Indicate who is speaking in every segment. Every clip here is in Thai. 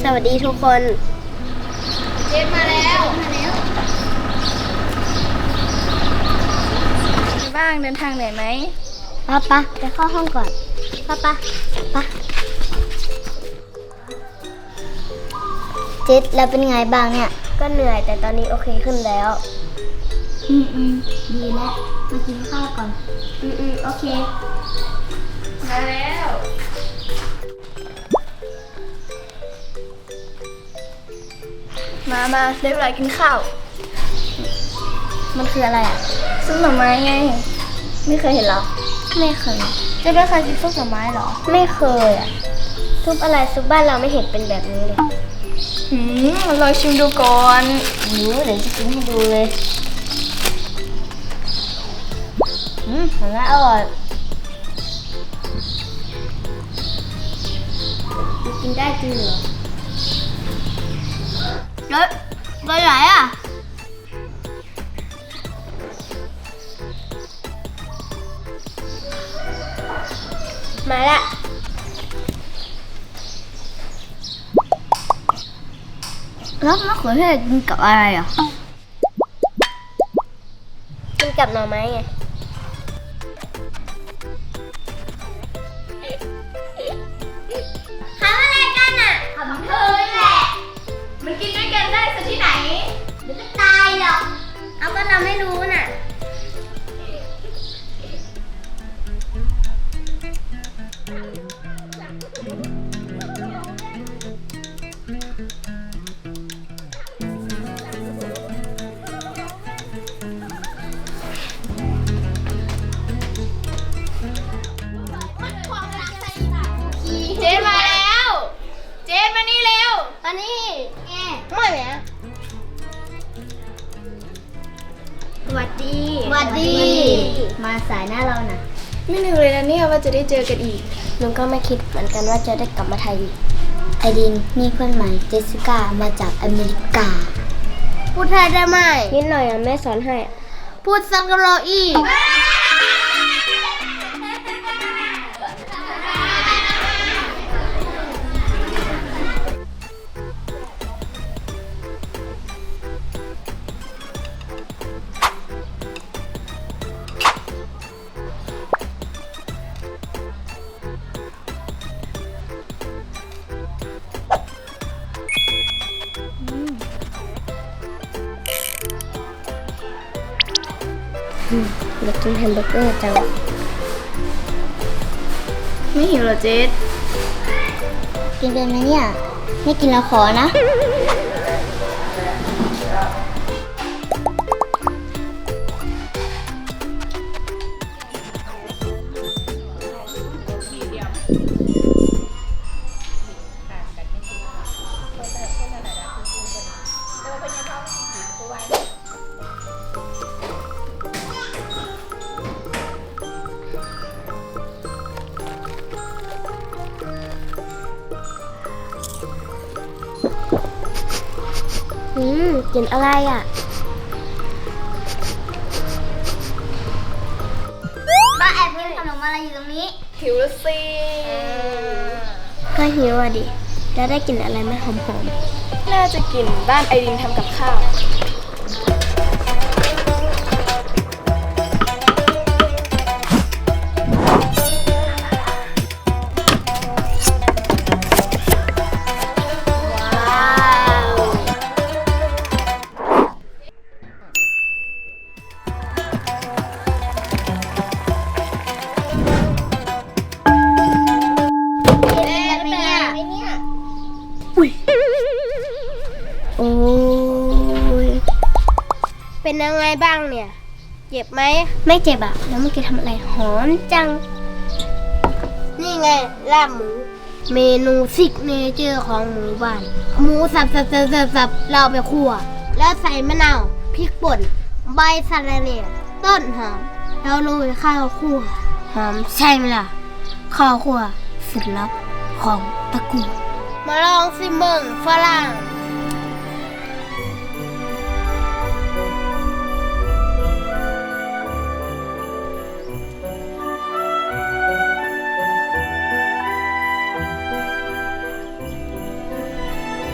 Speaker 1: วัสดีทุกคน
Speaker 2: เจ็ดมาแล้วบ้างเดินทางเหนื่อยไหม
Speaker 1: ป้าไปเข้าห้องก่อนป้าเจ็ดแล้วเป็นไงบ้างเนี่ยก็เหนื่อยแต่ตอนนี้โอเคขึ้นแล้วดีแล้วมากินข้าวก่อนโอเค
Speaker 2: มาแล้วมาได้เวลากินข้าว
Speaker 1: มันคืออะไรอ่ะ
Speaker 2: ซุปหน่อไม้ไงไม่เคยเห็นหรอ
Speaker 1: ไม่เคย
Speaker 2: จะไม่เคยกินซุปหน่อไม้หรอ
Speaker 1: ไม่เคยอ่ะซุปอะไรซุปบ้านเราไม่เห็นเป็นแบบนี้เลย
Speaker 2: ลองชิมดูก่อน
Speaker 1: เดี๋ยวจะกินให้ดูเลยของน่าอร่อยกินได้จริงเหรอไปไหนอ่ะมาละแล้วมะเขือเทศกินกับอะไรอ่ะกินกับหน่อไม้ไงทำอะไรกันอ่ะทำเธอแหละ
Speaker 2: มันกินด้วยกันได้สักที่ไหน
Speaker 1: เดี๋ยวก็ตายหรอกเอาก็เราไม่รู้น่ะ
Speaker 2: เจนมาแล้วเจนมานี่เร็ว
Speaker 1: อันนี้แง่ไม่แหมสวัสดีมาสายหน้าเราน่ะ
Speaker 2: ไม่นึกเลยนะเนี่ยว่าจะได้เจอกันอีก
Speaker 1: ลุงก็ไม่คิดเหมือนกันว่าจะได้กลับมาไทยอีกไอดินนี่เพื่อนใหม่เจสสิก้ามาจากอเมริกาพูดไทยได้ไหมนิดหน่อยแม่สอนให้พูดซังกะโรอีอยากกินแฮมเบอร์เกอร์จัง
Speaker 2: ไม่หิวเหรอเจส
Speaker 1: กินเป็นไหมเนี่ยไม่กินแล้วขอนะกินอะไรอ่ะป้าแอบกินขนมอะไรอยู่ตรงนี้
Speaker 2: หิวแล้วสิ
Speaker 1: ก็หิวอ่ะดิแล้วได้กินอะไรไม่หอม
Speaker 2: น่าจะกินบ้านไอรินทำกับข้าว
Speaker 1: โอ้ยเป็นยังไงบ้างเนี่ยเจ็บไหมไม่เจ็บอ่ะแล้วเมื่อกี้ทำอะไรหอมจังนี่ไงลาบหมูเมนูซิกเนเจอร์ของหมู่บ้านหมูสับเราไปคั่วแล้วใส่มะนาวพริกป่นใบสะระแหน่ต้นหอมแล้วโรยข้าวคั่วหอมใช่ไหมล่ะข้าวคั่วสุดลับของตระกูลมาลองสิเมืองฝรั่ง
Speaker 2: เ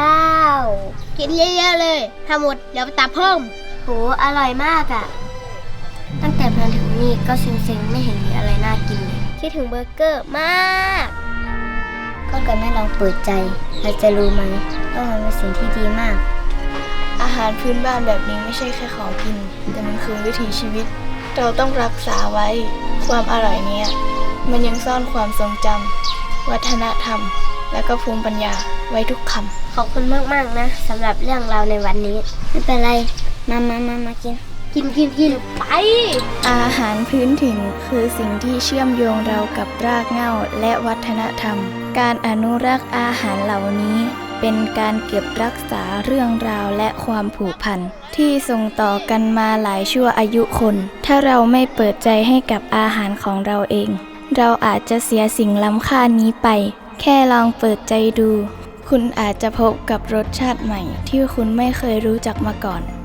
Speaker 1: ว้าวกินเยอะๆเลยถ้าหมดเดี๋ยวไปตับเพิ่มโหอร่อยมากอ่ะตั้งแต่มาถึงนี่ก็เซ็งๆไม่เห็นมีอะไรน่ากินเลยคิดถึงเบอร์เกอร์มากก็เกิดไม่ลองเปิดใจเราจะรู้ไหมว่ามันเป็นสิ่งที่ดีมาก
Speaker 2: อาหารพื้นบ้านแบบนี้ไม่ใช่แค่ของกิน แต่มันคือวิถีชีวิต เราต้องรักษาไว้ความอร่อยเนี้ยมันยังซ่อนความทรงจำวัฒนธรรม และก็ภูมิปัญญาไว้ทุกคำ
Speaker 1: ขอบคุณมากๆนะสำหรับเรื่องราวในวันนี้ไม่เป็นไรมากินไป
Speaker 2: อาหารพื้นถิ่นคือสิ่งที่เชื่อมโยงเรากับรากเหง้าและวัฒนธรรม การอนุรักษ์อาหารเหล่านี้เป็นการเก็บรักษาเรื่องราวและความผูกพันที่ส่งต่อกันมาหลายชั่วอายุคน ถ้าเราไม่เปิดใจให้กับอาหารของเราเอง เราอาจจะเสียสิ่งล้ำค่านี้ไป แค่ลองเปิดใจดู คุณอาจจะพบกับรสชาติใหม่ที่คุณไม่เคยรู้จักมาก่อน